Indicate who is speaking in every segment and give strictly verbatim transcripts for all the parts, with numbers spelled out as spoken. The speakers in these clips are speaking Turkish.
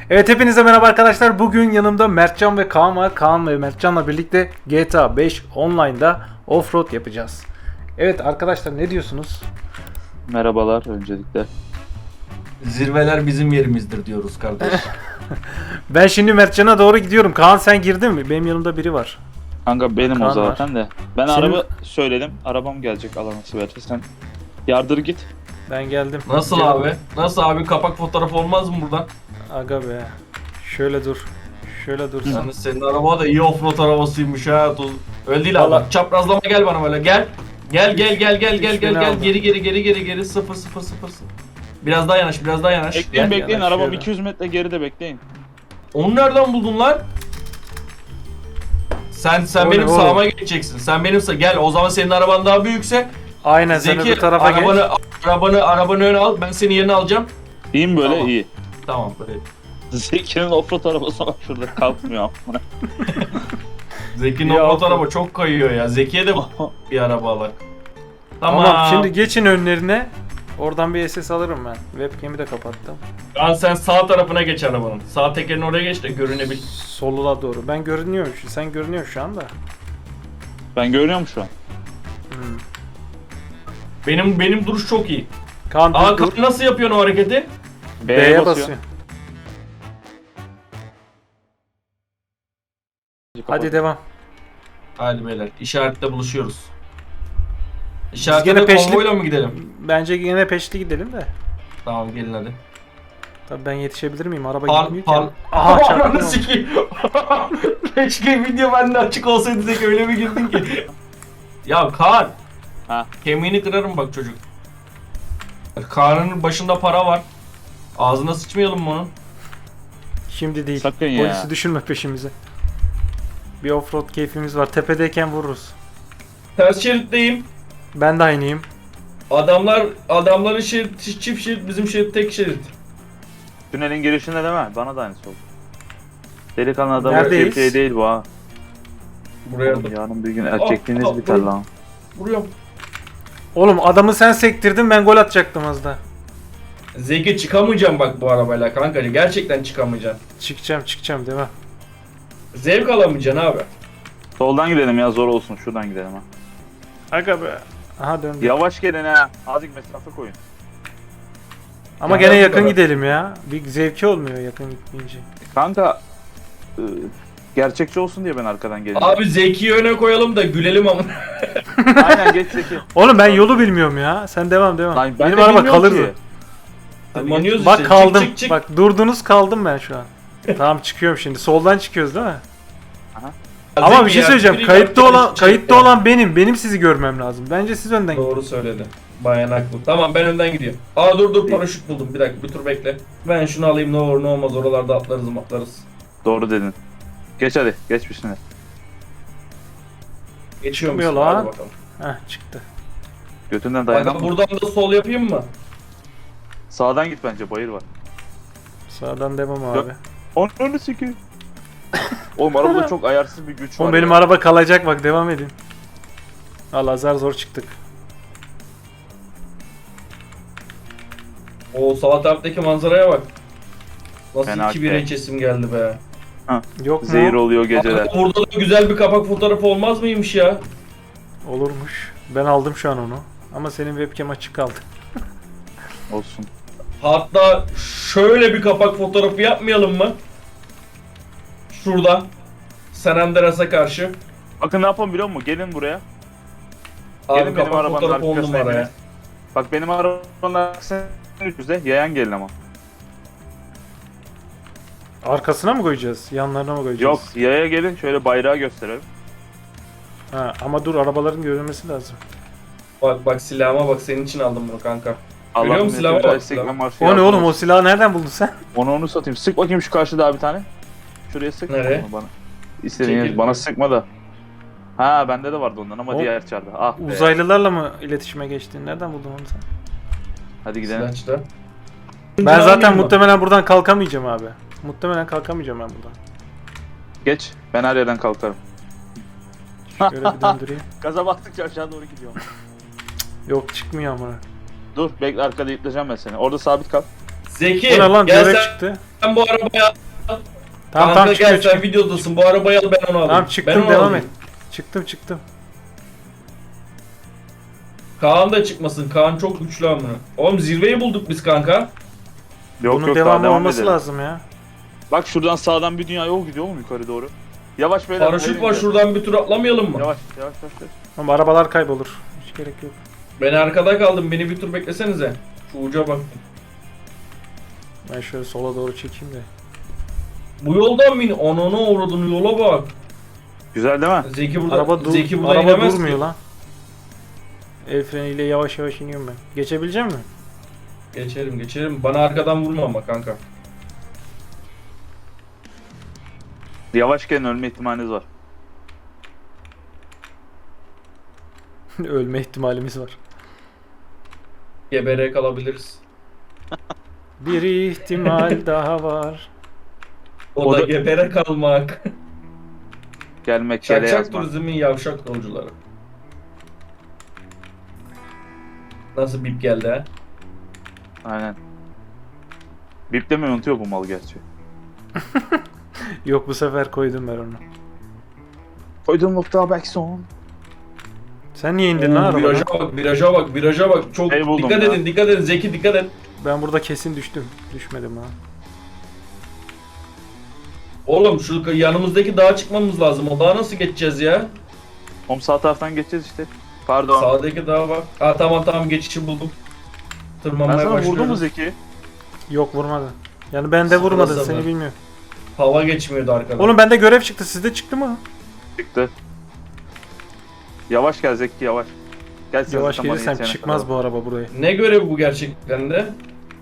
Speaker 1: Evet, hepinize merhaba arkadaşlar. Bugün yanımda Mertcan ve Kaan var. Kaan ve Mertcan'la birlikte G T A beş Online'da Offroad yapacağız. Evet arkadaşlar, ne diyorsunuz?
Speaker 2: Merhabalar öncelikle.
Speaker 3: Zirveler bizim yerimizdir diyoruz kardeş.
Speaker 1: Ben şimdi Mertcan'a doğru gidiyorum. Kaan, sen girdin mi? Benim yanımda biri var.
Speaker 2: Kanka benim
Speaker 1: Kaan
Speaker 2: o zaten de. Ben
Speaker 1: Senin-
Speaker 2: araba söyledim. Arabam gelecek Allah nasip ederse. Sen yardır git.
Speaker 1: Ben geldim.
Speaker 3: Nasıl
Speaker 1: Gel-
Speaker 3: abi? Nasıl abi, kapak fotoğrafı olmaz mı buradan?
Speaker 1: Aga be. Şöyle dur. Şöyle dur sen.
Speaker 3: Yani senin araba da iyi offroad arabasıymış ha. Tuz- Öyle değil abi.
Speaker 1: Vallahi-
Speaker 3: Bak, çaprazlama gel bana böyle gel. Gel gel gel gel gel
Speaker 1: Üç
Speaker 3: gel
Speaker 1: bini
Speaker 3: gel
Speaker 1: aldım.
Speaker 3: geri geri geri geri geri sıfır sıfır sıfır sıfır. Biraz daha yanaş, biraz daha yanaş.
Speaker 2: Bekleyin
Speaker 3: Gel.
Speaker 2: bekleyin.
Speaker 1: yanaş
Speaker 2: Arabam
Speaker 1: şöyle.
Speaker 2: iki yüz metre geride bekleyin.
Speaker 3: Onu nereden buldun lan? Sen sen
Speaker 1: O ne
Speaker 3: benim
Speaker 1: oğlum?
Speaker 3: sağıma geçeceksin. Sen benim sağ gel. O zaman senin araban daha büyükse
Speaker 1: Aynen, sen
Speaker 3: Zeki
Speaker 1: öbür tarafa
Speaker 3: arabanı,
Speaker 1: geç.
Speaker 3: arabanı arabanı öne al. Ben senin yerine alacağım.
Speaker 2: İyi mi böyle?
Speaker 3: Tamam.
Speaker 2: İyi.
Speaker 3: Tamam böyle.
Speaker 2: Zeki'nin offroad arabası bak şurada kalkmıyor.
Speaker 3: Zeki'nin
Speaker 1: Ya,
Speaker 3: offroad
Speaker 1: offroad.
Speaker 3: araba çok kayıyor ya. Zeki'ye de bir araba alak. Tamam.
Speaker 1: Tamam, şimdi geçin önlerine. Oradan bir S S alırım ben. Webcam'i de kapattım.
Speaker 3: Lan sen sağ tarafına geç arabanın. Sağ tekerin oraya geç de görünebil.
Speaker 1: Soluna doğru. Ben görünüyorum şu. Sen görünüyorsun şu anda.
Speaker 2: Ben görüyorum şu an.
Speaker 1: Hmm.
Speaker 3: Benim benim duruş çok iyi.
Speaker 1: Kaan
Speaker 3: Aa,
Speaker 1: dur, dur.
Speaker 3: Kaan nasıl yapıyorsun o hareketi?
Speaker 2: B'ye,
Speaker 1: B'ye
Speaker 2: basıyor.
Speaker 1: basıyor. Hadi devam.
Speaker 3: Hadi beyler, işaretle buluşuyoruz.
Speaker 1: Biz
Speaker 3: İşaretle
Speaker 1: gene
Speaker 3: de
Speaker 1: peşli-
Speaker 3: konvoyla mı gidelim?
Speaker 1: Bence yine peşli gidelim de.
Speaker 3: Tamam, gelin hadi.
Speaker 1: Tabii ben yetişebilir miyim? Araba
Speaker 3: Pan
Speaker 1: gitmiyor
Speaker 3: pan.
Speaker 1: ki. Aha, çarptım
Speaker 3: Ananı
Speaker 1: onu.
Speaker 3: sikeyim. Keşke video bende açık olsaydı, Zeki öyle bir girdin ki. Ya Kaan.
Speaker 2: Ha.
Speaker 3: Kemiğini kırarım bak çocuk. Kaan'ın başında para var. Ağzına sıçmayalım mı onun?
Speaker 1: Şimdi değil.
Speaker 2: Sakın ya.
Speaker 1: Polisi düşürme peşimize. Bir offroad keyfimiz var. Tepedeyken vururuz.
Speaker 3: Ters şeritteyim.
Speaker 1: Ben de aynıyım.
Speaker 3: Adamlar adamların şerit çift şerit, bizim şerit tek şerit.
Speaker 2: Tünelin girişinde değil mi? Bana da aynısı oldu. Delikanlı adam
Speaker 1: Neredeyiz?
Speaker 2: erkek değil bu ha.
Speaker 3: Buraya
Speaker 2: Oğlum,
Speaker 3: da
Speaker 2: yarın bir gün erkekliğiniz
Speaker 3: Aa, aa,
Speaker 2: biter
Speaker 3: dur.
Speaker 2: lan.
Speaker 3: vuruyorum.
Speaker 1: Oğlum adamı sen sektirdin, ben gol atacaktım az da.
Speaker 3: Zeki, çıkamayacağım bak bu arabayla kanka. Gerçekten çıkamayacaksın.
Speaker 1: Çıkacağım çıkacağım devam.
Speaker 3: Zevk alamayacaksın abi.
Speaker 2: Soldan gidelim ya, zor olsun. Şuradan gidelim ha.
Speaker 1: Aga be. Aha döndü.
Speaker 2: Yavaş gelin ha. Azıcık mesafe koyun.
Speaker 1: Ama
Speaker 3: Ya
Speaker 1: gene
Speaker 3: bu
Speaker 1: yakın
Speaker 3: kadar.
Speaker 1: gidelim ya. Bir zevki olmuyor yakın gitmeyince.
Speaker 2: Kanka ıı, gerçekçi olsun diye ben arkadan geleceğim.
Speaker 3: Abi Zeki'yi öne koyalım da gülelim ama.
Speaker 2: Aynen, geç Zeki.
Speaker 1: Oğlum ben yolu bilmiyorum ya. Sen devam devam.
Speaker 2: Lan ben
Speaker 1: Benim
Speaker 2: de
Speaker 1: araba
Speaker 2: bilmiyorum
Speaker 1: kalırdı.
Speaker 2: ki.
Speaker 3: Tırmanıyoruz
Speaker 1: Bak
Speaker 3: işte.
Speaker 1: kaldım.
Speaker 3: Çık, çık, çık.
Speaker 1: Bak durdunuz, kaldım ben şu an. Tamam, çıkıyorum şimdi. Soldan çıkıyoruz değil mi? Ama
Speaker 3: Zeki
Speaker 1: bir şey
Speaker 3: ya,
Speaker 1: söyleyeceğim.
Speaker 3: biri
Speaker 1: Kayıtta
Speaker 3: yaptı,
Speaker 1: olan
Speaker 3: çek
Speaker 1: kayıtta
Speaker 3: ya.
Speaker 1: olan benim. Benim sizi görmem lazım. Bence siz önden gidin.
Speaker 3: Doğru söyledi. Bayan haklı. Tamam, ben önden gidiyorum. Aa dur dur, paraşüt buldum. Bir dakika, bir tur bekle. Ben şunu alayım, ne olur ne olmaz, oralarda atlarız atlarız.
Speaker 2: Doğru dedin. Geç hadi, geç bir şimdi.
Speaker 3: Geçiyor
Speaker 1: Çıkmıyor
Speaker 3: musun?
Speaker 1: lan.
Speaker 3: Hadi bakalım.
Speaker 1: Heh, çıktı.
Speaker 2: Götünden
Speaker 3: Bak,
Speaker 2: dayanamam.
Speaker 3: buradan da sol yapayım mı?
Speaker 2: Sağdan git bence, bayır var.
Speaker 1: Sağdan devam abi.
Speaker 2: Onu sikeyim. Oğlum arabada çok ayarsız bir güç var.
Speaker 1: Oğlum benim
Speaker 2: ya.
Speaker 1: araba kalacak, bak devam edin. Allah, zar zor çıktık.
Speaker 3: O sağ taraftaki manzaraya bak. Nasıl
Speaker 2: Fena
Speaker 3: iki bir
Speaker 2: şey.
Speaker 3: kesim geldi be.
Speaker 1: Yok mu?
Speaker 2: Zehir oluyor geceler.
Speaker 3: Abi, burada da güzel bir kapak fotoğrafı olmaz mıymış ya?
Speaker 1: Olurmuş. Ben aldım şu an onu. Ama senin webcam açık kaldı.
Speaker 2: Olsun.
Speaker 3: Hatta şöyle bir kapak fotoğrafı yapmayalım mı? Şurada. San Andreas'a karşı.
Speaker 2: Bakın ne yapalım biliyor musun? Gelin buraya.
Speaker 3: Abi
Speaker 2: Gelin benim
Speaker 3: kapak
Speaker 2: arabanın
Speaker 3: fotoğrafı on
Speaker 2: arkasına
Speaker 3: numara ya.
Speaker 2: hepiniz. Bak benim arabanın arkasına üçüzde yayan gelin ama.
Speaker 1: Arkasına mı koyacağız? Yanlarına mı koyacağız?
Speaker 2: Yok, yaya gelin şöyle bayrağı gösterelim.
Speaker 1: Ha, ama dur, arabaların görünmesi lazım.
Speaker 3: Bak bak, silahıma bak, senin için aldım bunu kanka. Görüyor
Speaker 2: Allah'ım
Speaker 3: musun silahıma bak, silahıma.
Speaker 1: O ne oğlum, o silahı nereden buldun sen?
Speaker 2: Onu onu satayım. Sık bakayım şu karşıda bir tane. Şuraya sık.
Speaker 3: Nereye?
Speaker 2: Onu bana. İstediğiniz
Speaker 3: Çekil.
Speaker 2: bana sıkma da. Ha bende de vardı ondan ama
Speaker 1: O-
Speaker 2: diğer çarda. Ah be.
Speaker 1: Uzaylılarla mı iletişime geçtin? Nereden buldun onu sen?
Speaker 2: Hadi gidelim.
Speaker 3: Silahçıda.
Speaker 1: Ben zaten muhtemelen buradan kalkamayacağım abi. Muhtemelen kalkamayacağım ben buradan.
Speaker 2: Geç. Ben her yerden kalkarım.
Speaker 1: Şöyle bir döndüreyim.
Speaker 2: Gaza bastıkça aşağı doğru gidiyorum.
Speaker 1: Yok, çıkmıyor ama.
Speaker 2: Dur bekle, arkada yükleyeceğim ben seni. Orada sabit kal.
Speaker 3: Zeki
Speaker 1: Bu ne lan,
Speaker 3: gel
Speaker 1: direkt
Speaker 3: sen
Speaker 1: çıktı.
Speaker 3: sen bu arabaya
Speaker 1: Tamam
Speaker 3: Kanka
Speaker 1: tamam
Speaker 3: gel
Speaker 1: çıkıyor
Speaker 3: sen
Speaker 1: çıkıyor.
Speaker 3: videodasın. Bu arabayı al ben onu alayım.
Speaker 1: Tamam
Speaker 3: Ben
Speaker 1: çıktım
Speaker 3: onu
Speaker 1: devam
Speaker 3: alayım.
Speaker 1: et. Çıktım çıktım.
Speaker 3: Kaan da çıkmasın. Kaan çok güçlü amına. Oğlum zirveyi bulduk biz kanka.
Speaker 2: Yok
Speaker 1: Bunun
Speaker 2: yok daha
Speaker 1: devamı
Speaker 2: devam
Speaker 1: olması
Speaker 2: edelim.
Speaker 1: lazım ya.
Speaker 2: Bak şuradan sağdan bir dünya yol gidiyor oğlum yukarı doğru. Yavaş beyler.
Speaker 3: Paraşüt
Speaker 2: hadi
Speaker 3: var
Speaker 2: gidelim.
Speaker 3: şuradan bir tur atlamayalım mı?
Speaker 2: Yavaş yavaş yavaş. yavaş.
Speaker 1: Ama arabalar kaybolur. Hiç gerek yok.
Speaker 3: Ben arkada kaldım. Beni bir tur beklesenize. Şu uca bak.
Speaker 1: Ben şöyle sola doğru çekeyim de.
Speaker 3: Bu yoldan mı in? Ananı uğradın yola bak.
Speaker 2: Güzel değil mi?
Speaker 3: Zeki burada,
Speaker 1: Araba, dur
Speaker 3: Zeki burada
Speaker 1: araba
Speaker 3: inemez
Speaker 1: durmuyor
Speaker 3: ki.
Speaker 1: lan. El freniyle yavaş yavaş iniyorum ben. Geçebilecek mi?
Speaker 3: Geçerim geçerim. Bana arkadan vurma ama kanka.
Speaker 2: Yavaşken ölme ihtimaliniz var.
Speaker 1: Ölme ihtimalimiz var.
Speaker 3: Gebere kalabiliriz.
Speaker 1: Bir ihtimal daha var.
Speaker 3: O,
Speaker 2: O
Speaker 3: da,
Speaker 2: da-
Speaker 3: gebere kalmak.
Speaker 2: Gelmek kere
Speaker 3: Şakşak
Speaker 2: yazmak.
Speaker 3: turizmin yavşak yolcuları. Nasıl bip geldi ha?
Speaker 2: Aynen. Biplemeyi unutuyor bu mal gerçi.
Speaker 1: Yok bu sefer koydum ben onu.
Speaker 2: Koydum nokta back son.
Speaker 1: Sen niye indin
Speaker 3: Oo,
Speaker 1: lan
Speaker 3: viraja
Speaker 1: arabadan?
Speaker 3: bak, viraja bak, viraja bak. Çok
Speaker 2: Şey buldum
Speaker 3: dikkat
Speaker 2: ya.
Speaker 3: edin, dikkat edin. Zeki dikkat et.
Speaker 1: Ben burada kesin düştüm. Düşmedim ha.
Speaker 3: Oğlum şu yanımızdaki dağa çıkmamız lazım. O dağa nasıl geçeceğiz ya?
Speaker 2: Oğlum sağ taraftan geçeceğiz işte. Pardon.
Speaker 3: Sağdaki dağa bak. Ha tamam tamam geçişi buldum.
Speaker 2: Ben
Speaker 3: Tırmanmaya
Speaker 2: sana
Speaker 3: başlıyoruz.
Speaker 2: vurdum mu Zeki?
Speaker 1: Yok vurmadı. Yani bende
Speaker 3: Sıfıra
Speaker 1: vurmadı
Speaker 3: sıfır.
Speaker 1: seni bilmiyorum.
Speaker 3: Hava geçmiyordu arkadan.
Speaker 1: Oğlum bende görev çıktı. Sizde çıktı mı?
Speaker 2: Çıktı. Yavaş gel Zeki yavaş. Gel sen
Speaker 1: Yavaş
Speaker 2: zaten bana
Speaker 1: gelirsem
Speaker 2: yetişene
Speaker 1: çıkmaz
Speaker 2: kadar.
Speaker 1: bu araba buraya.
Speaker 3: Ne görevi bu gerçekten de?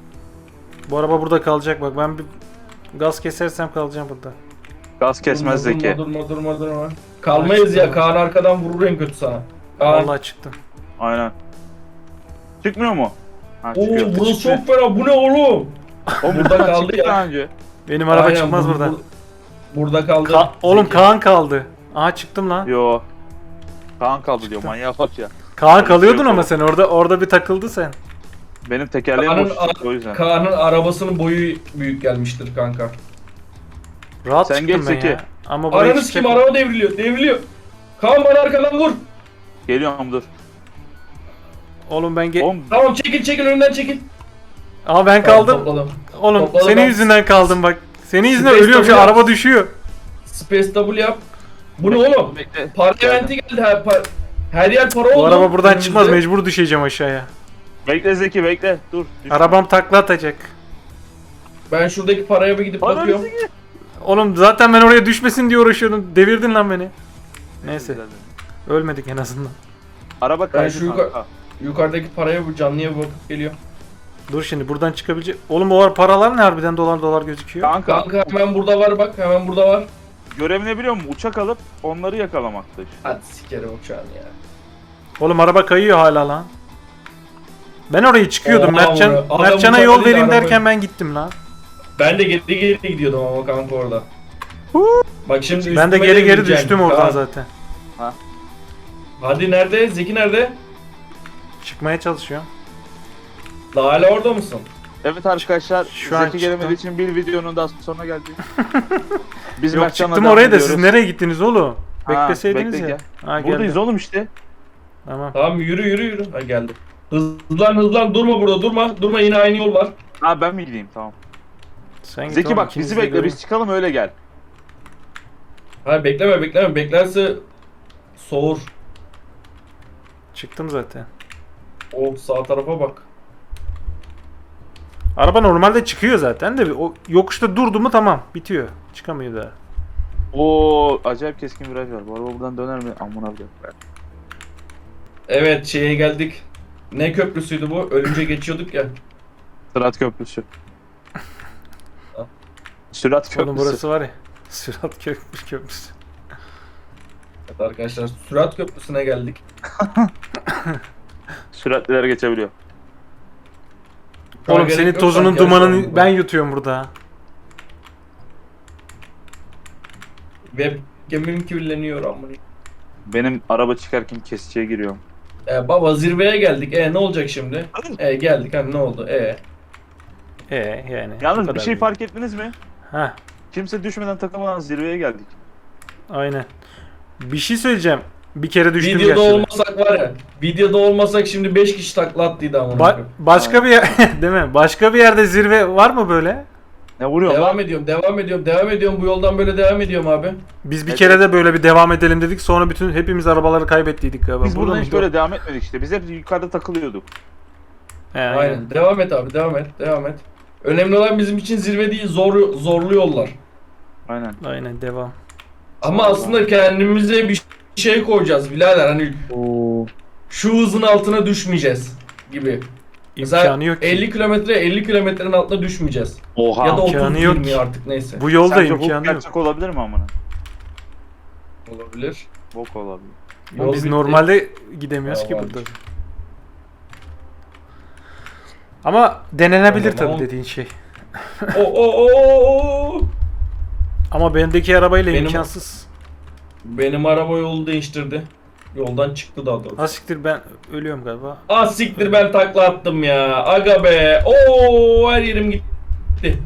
Speaker 1: Bu araba burada kalacak bak. Ben bir gaz kesersem kalacağım burada.
Speaker 2: Gaz kesmez
Speaker 3: durma,
Speaker 2: Zeki.
Speaker 3: Durma durma durma durma. Kalmayız ya. Kaan arkadan vurur en kötü sana. Kaan.
Speaker 1: Vallahi çıktım.
Speaker 2: Aynen. Çıkmıyor mu? Ha
Speaker 3: Oo
Speaker 2: çıkıyor.
Speaker 3: burası çok fena. Bu ne oğlum?
Speaker 2: Oğlum
Speaker 3: burada
Speaker 2: buradan
Speaker 3: kaldı
Speaker 2: çıktık
Speaker 3: ya.
Speaker 2: daha önce.
Speaker 1: Benim araba
Speaker 3: Aynen,
Speaker 1: çıkmaz
Speaker 3: bu-
Speaker 1: buradan.
Speaker 3: bu- burada kaldı.
Speaker 1: Ka- Oğlum
Speaker 3: Zeki.
Speaker 1: Kaan kaldı. Aha çıktım lan.
Speaker 2: Yo. Kaan kaldı diyor manyağa bak ya.
Speaker 1: Kaan kalıyordun
Speaker 2: Yok
Speaker 1: ama
Speaker 2: oğlum.
Speaker 1: sen orada orada bir takıldı sen.
Speaker 2: Benim tekerleğim
Speaker 3: Kaan'ın,
Speaker 2: boş çıktı o yüzden.
Speaker 3: Kaan'ın arabasının boyu büyük gelmiştir kanka.
Speaker 1: Rahat
Speaker 2: Sen
Speaker 1: çıktım
Speaker 2: geç
Speaker 1: ben
Speaker 2: Zeki.
Speaker 1: ya. Ama buraya
Speaker 3: Aranız kim?
Speaker 1: çıkacak-
Speaker 3: Araba devriliyor. Devriliyor. Kaan bana arkadan vur.
Speaker 2: Geliyorum dur.
Speaker 1: Oğlum ben ge-
Speaker 2: Oğlum
Speaker 3: Tamam çekil çekil önünden çekil.
Speaker 1: Ama ben
Speaker 3: Tamam,
Speaker 1: kaldım.
Speaker 3: topladım.
Speaker 1: Oğlum
Speaker 3: Topladım
Speaker 1: senin
Speaker 3: ben.
Speaker 1: yüzünden kaldım bak. Senin yüzünden
Speaker 3: Space
Speaker 1: ölüyorum şu
Speaker 3: Double
Speaker 1: araba
Speaker 3: yap.
Speaker 1: düşüyor.
Speaker 3: Space double yap. Bu ne oğlum?
Speaker 2: bekle.
Speaker 3: Parlamenti geldi. Her, par- her yer para oldu.
Speaker 1: Bu araba buradan
Speaker 3: önümüzde.
Speaker 1: çıkmaz, mecbur düşeceğim aşağıya.
Speaker 2: Bekle Zeki bekle. Dur. Düş.
Speaker 1: Arabam takla atacak.
Speaker 3: Ben şuradaki paraya bir gidip
Speaker 2: Ananı
Speaker 3: bakıyorum.
Speaker 2: Zeki.
Speaker 1: Oğlum zaten ben oraya düşmesin diye uğraşıyordum. Devirdin lan beni. Neyse.
Speaker 2: Güzel.
Speaker 1: Ölmedik en azından.
Speaker 2: Araba kaydı
Speaker 3: şu yukarı-
Speaker 2: kanka.
Speaker 3: Yukarıdaki paraya bu canlıya bir bakıp geliyor.
Speaker 1: Dur şimdi buradan çıkabilecek. Oğlum o paralar ne harbiden dolar dolar gözüküyor.
Speaker 2: Kanka,
Speaker 3: Kanka hemen burada var bak. Hemen burada var.
Speaker 2: görev ne biliyor musun? Uçak alıp onları yakalamakta işte.
Speaker 3: Hadi sikerim uçağını ya.
Speaker 1: Oğlum araba kayıyor hala lan. Ben oraya çıkıyordum.
Speaker 3: Oha,
Speaker 1: Mertcan,
Speaker 3: adam
Speaker 1: Mertcan'a
Speaker 3: uçak
Speaker 1: yol
Speaker 3: değil,
Speaker 1: vereyim
Speaker 3: araba-
Speaker 1: derken ben gittim lan.
Speaker 3: Ben de geri geri gidiyordum ama kanka orada. Bak şimdi
Speaker 1: Ben de
Speaker 3: üstüme
Speaker 1: geri geri
Speaker 3: bineceksin.
Speaker 1: düştüm oradan
Speaker 3: Kaan.
Speaker 1: zaten.
Speaker 3: Hadi nerede? Zeki nerede?
Speaker 1: Çıkmaya çalışıyorum.
Speaker 3: Daha hala orada mısın?
Speaker 2: Evet arkadaşlar,
Speaker 1: Şu an
Speaker 2: Zeki gelemediği
Speaker 1: çıktım.
Speaker 2: için bir videonun daha sonuna geldik. Biz
Speaker 1: Yok
Speaker 2: Mertcan'la
Speaker 1: çıktım
Speaker 2: devam
Speaker 1: oraya da
Speaker 2: ediyoruz.
Speaker 1: siz nereye gittiniz oğlum?
Speaker 2: Ha,
Speaker 1: Bekleseydiniz
Speaker 2: bekle
Speaker 1: ya.
Speaker 2: gel.
Speaker 1: Ha,
Speaker 2: Buradayız
Speaker 1: geldim.
Speaker 2: oğlum işte.
Speaker 1: Tamam.
Speaker 3: Tamam yürü yürü yürü. Ha geldi. Hızlan hızlan durma burada durma. Durma yine aynı yol var.
Speaker 2: Ha ben mi gideyim tamam.
Speaker 1: Sen git
Speaker 2: Zeki
Speaker 1: oğlum,
Speaker 2: bak
Speaker 1: ikiniz
Speaker 2: bizi
Speaker 1: de
Speaker 2: bekle
Speaker 1: görün.
Speaker 2: biz çıkalım öyle gel.
Speaker 3: Hayır bekleme bekleme. Beklerse soğur.
Speaker 1: Çıktım zaten.
Speaker 3: O sağ tarafa bak.
Speaker 1: Araba normalde çıkıyor zaten de o yokuşta durdu mu tamam bitiyor. Çıkamıyor daha.
Speaker 2: Oo acayip keskin viraj var. Bu araba buradan döner mi? Amına koyayım.
Speaker 3: Evet şeye geldik. Ne köprüsüydü bu? Ölünce geçiyorduk ya.
Speaker 2: Sürat köprüsü. Sürat köprüsü.
Speaker 1: Oğlum burası var ya. Sürat köprüsü köprüsü.
Speaker 3: Evet arkadaşlar Sürat Köprüsü'ne geldik.
Speaker 2: Süratliler geçebiliyor.
Speaker 1: Oğlum
Speaker 3: Gerek
Speaker 1: senin
Speaker 3: yok,
Speaker 1: tozunun
Speaker 3: sanki
Speaker 1: dumanını
Speaker 3: yarışalım
Speaker 1: ben yutuyorum burada.
Speaker 3: Webcam'im kirleniyor amına.
Speaker 2: Benim araba çıkarken kesiciye giriyorum.
Speaker 3: E, baba zirveye geldik. E ne olacak şimdi? E geldik hani ne oldu? E
Speaker 1: E yani. bu
Speaker 2: Yalnız bir
Speaker 1: kadar
Speaker 2: şey
Speaker 1: değil.
Speaker 2: fark ettiniz mi?
Speaker 1: Heh,
Speaker 2: Kimse düşmeden takılmadan zirveye geldik.
Speaker 1: aynen. Bir şey söyleyeceğim. Bir kere düştüm
Speaker 3: Videoda
Speaker 1: gerçi de.
Speaker 3: olmasak var ya. Videoda olmasak şimdi beş kişi takla attıydı ama.
Speaker 1: Ba- başka bir yer değil mi? Başka bir yerde zirve var mı böyle?
Speaker 2: Ne vuruyor
Speaker 3: Devam
Speaker 2: lan?
Speaker 3: ediyorum, devam ediyorum, devam ediyorum. Bu yoldan böyle devam ediyorum abi.
Speaker 1: Biz bir
Speaker 2: Evet,
Speaker 1: kere
Speaker 2: evet.
Speaker 1: de böyle bir devam edelim dedik. Sonra bütün hepimiz arabaları kaybettiydik galiba.
Speaker 2: Biz buradan hiç
Speaker 1: mıydı
Speaker 2: böyle devam etmedik işte. Biz hep yukarıda takılıyorduk.
Speaker 1: o? He, aynen.
Speaker 3: Aynen. Devam et abi, devam et, devam et. Önemli olan bizim için zirve değil, zor zorlu yollar.
Speaker 2: Aynen.
Speaker 1: Aynen devam.
Speaker 3: Ama
Speaker 2: Vallahi.
Speaker 3: aslında kendimize bir şey koyacağız birader. Hani
Speaker 2: Oo.
Speaker 3: şu hızın altına düşmeyeceğiz gibi. Mesela
Speaker 1: İmkanı yok ki.
Speaker 3: elli kilometre elli kilometrenin altına düşmeyeceğiz.
Speaker 2: Oha.
Speaker 3: Ya da
Speaker 1: imkanı
Speaker 3: otuz
Speaker 1: yok
Speaker 3: yirmi
Speaker 1: ki.
Speaker 3: artık neyse.
Speaker 1: Bu yolda
Speaker 2: Sence bok
Speaker 1: imkanı yok.
Speaker 2: gerçek olabilir mi amına?
Speaker 3: Olabilir.
Speaker 2: Bok olabilir.
Speaker 1: Ama
Speaker 3: Yol
Speaker 1: biz
Speaker 3: bitti.
Speaker 1: normalde gidemiyoruz ki
Speaker 3: Tamam.
Speaker 1: burada. Ama denenebilir
Speaker 3: Tamam.
Speaker 1: tabii dediğin şey.
Speaker 3: O o o o.
Speaker 1: Ama bendeki arabayla
Speaker 3: Benim-
Speaker 1: imkansız.
Speaker 3: Benim araba yolu değiştirdi. Yoldan çıktı daha doğrusu.
Speaker 1: Ha siktir ben ölüyorum galiba.
Speaker 3: Ah siktir ben takla attım ya. Aga be. Oo her yerim gitti.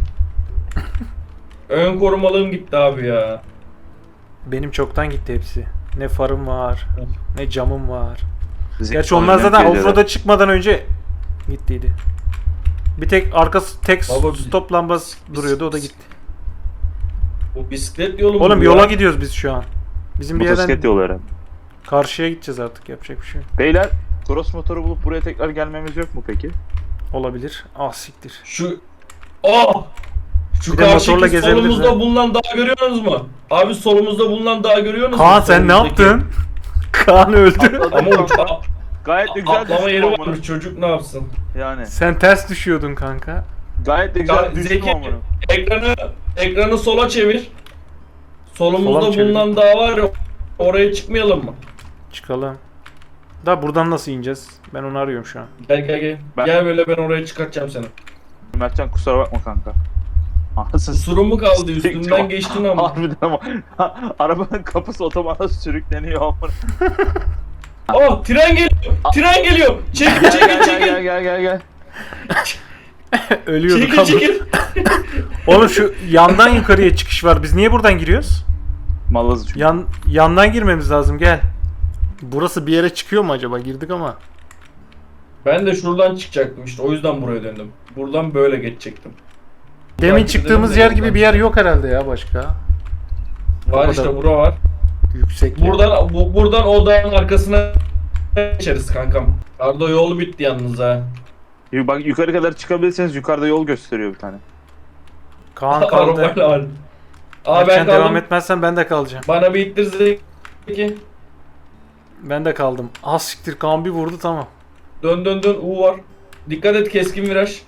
Speaker 3: Ön korumalığım gitti abi ya.
Speaker 1: Benim çoktan gitti hepsi. Ne farım var, ne camım var.
Speaker 2: Zil
Speaker 1: Gerçi onlar
Speaker 2: oynayan
Speaker 1: zaten
Speaker 2: geceler.
Speaker 1: offroad'a çıkmadan önce gittiydi. Bir tek arkası tek
Speaker 3: Baba,
Speaker 1: stop lambası
Speaker 3: biz-
Speaker 1: duruyordu o da
Speaker 3: biz-
Speaker 1: gitti.
Speaker 3: Bu bisiklet yolu mu
Speaker 1: Oğlum
Speaker 3: bu
Speaker 1: yola
Speaker 3: ya?
Speaker 1: gidiyoruz biz şu an. Bizim bir
Speaker 2: Motosiklet
Speaker 1: yerden
Speaker 2: yolu herhalde.
Speaker 1: karşıya gideceğiz artık yapacak bir şey yok.
Speaker 2: Beyler cross motoru bulup buraya tekrar gelmemiz yok mu peki?
Speaker 1: Olabilir. Ah siktir.
Speaker 3: Şu Oh! Şu
Speaker 1: Bir de motorla
Speaker 3: karşıki
Speaker 1: gezebiliriz
Speaker 3: solumuzda
Speaker 1: ha.
Speaker 3: bulunan dağı görüyorsunuz mu? Abi solumuzda bulunan dağı görüyorsunuz mu?
Speaker 1: Kaan sen ne
Speaker 3: Solumuzdaki.
Speaker 1: yaptın? Kaan öldü.
Speaker 2: Atladık
Speaker 3: Ama
Speaker 2: kanka.
Speaker 3: uç- a-
Speaker 2: Gayet de güzel
Speaker 3: atlama
Speaker 2: düştüm
Speaker 3: yeri
Speaker 2: amına.
Speaker 3: varmış çocuk ne yapsın?
Speaker 2: Yani.
Speaker 1: Sen ters düşüyordun kanka.
Speaker 2: Gayet de güzel
Speaker 3: Ya
Speaker 2: düştüm
Speaker 3: Zeki
Speaker 2: amına.
Speaker 3: ekranı ekranı sola çevir.
Speaker 1: Sola
Speaker 3: Solumuzda
Speaker 1: mı çevireyim?
Speaker 3: bulunan dağ var ya oraya çıkmayalım mı?
Speaker 1: Çıkalım. Da buradan nasıl ineceğiz? Ben onu arıyorum şu an.
Speaker 3: Gel gel gel.
Speaker 2: Ben-
Speaker 3: Gel böyle ben oraya çıkartacağım seni.
Speaker 2: Mertcan kusura bakma kanka. Anasını
Speaker 3: Kusurum mu kaldı
Speaker 2: s-
Speaker 3: üstümden geçtin ama.
Speaker 2: Harbiden ama. Arabanın kapısı otomata sürükleniyor amına.
Speaker 3: Oh tren geliyor. Tren geliyor. Çekil
Speaker 2: Gel
Speaker 3: çekil
Speaker 2: gel
Speaker 3: çekil.
Speaker 2: gel gel gel gel.
Speaker 1: Ölüyorduk
Speaker 3: Çekil
Speaker 1: ama.
Speaker 3: çekil.
Speaker 1: Oğlum şu yandan yukarıya çıkış var. Biz niye buradan giriyoruz?
Speaker 2: Malazı çünkü.
Speaker 1: Yan yandan girmemiz lazım. Gel. Burası bir yere çıkıyor mu acaba? Girdik ama.
Speaker 3: Ben de şuradan çıkacaktım işte o yüzden buraya döndüm. Buradan böyle geçecektim.
Speaker 1: Demin
Speaker 3: Takip
Speaker 1: çıktığımız
Speaker 3: edelim de
Speaker 1: yer gibi
Speaker 3: yoldan.
Speaker 1: bir yer yok herhalde ya başka.
Speaker 3: Var
Speaker 1: O
Speaker 3: işte
Speaker 1: kadar.
Speaker 3: bura var.
Speaker 1: Yüksek.
Speaker 3: Buradan bu, buradan o dağın arkasına geçeriz kankam. Arda yolu bitti yalnız ha.
Speaker 2: Y- Bak yukarı kadar çıkabilirseniz yukarıda yol gösteriyor bir tane.
Speaker 1: Kaan kaldı.
Speaker 3: Arabayla var. Aa ben
Speaker 1: Sen devam
Speaker 3: kaldım.
Speaker 1: etmezsen ben de kalacağım.
Speaker 3: Bana bir ittir Zeki.
Speaker 1: Ben de kaldım. Az siktir Kaan bir vurdu tamam.
Speaker 3: Dön dön dön U var. Dikkat et keskin viraj.